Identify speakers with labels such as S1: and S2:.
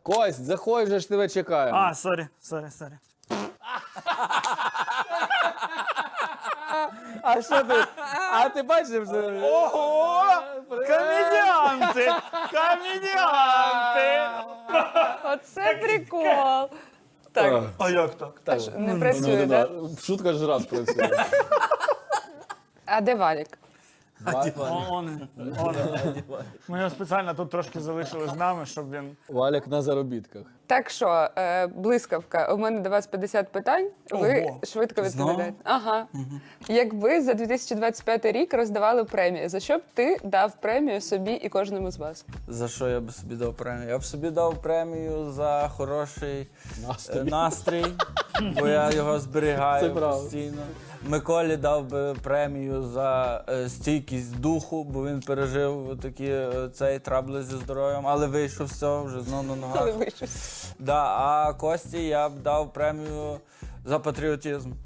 S1: Кость, заходь, вже ж тебе чекаємо.
S2: А, сорі.
S1: А що ти? А ти бачив, що...
S2: Ого! Комедіанти! Комедіанти!
S3: Оце прикол. Так,
S2: А як так?
S3: не працює, так?
S1: Шутка ж раз працює.
S3: А де Валік?
S2: Он. Ми його спеціально тут трошки залишили з нами, щоб він...
S1: Валік на заробітках.
S3: Так що, блискавка, у мене до вас 50 питань, ви
S2: Ого.
S3: швидко
S2: Знову?
S3: відповідаєте. Ага. Якби за 2025 рік роздавали премії, за що б ти дав премію собі і кожному з вас?
S4: За що я б собі дав премію? Я б собі дав премію за хороший настрій, бо я його зберігаю
S1: Це правда.
S4: постійно. Миколі дав би премію за стійкість духу, бо він пережив такі цей трабли зі здоров'ям, але вийшов з цього вже знову на ногах.
S3: Але ви щось.
S4: Да, а Кості я б дав премію за патріотизм.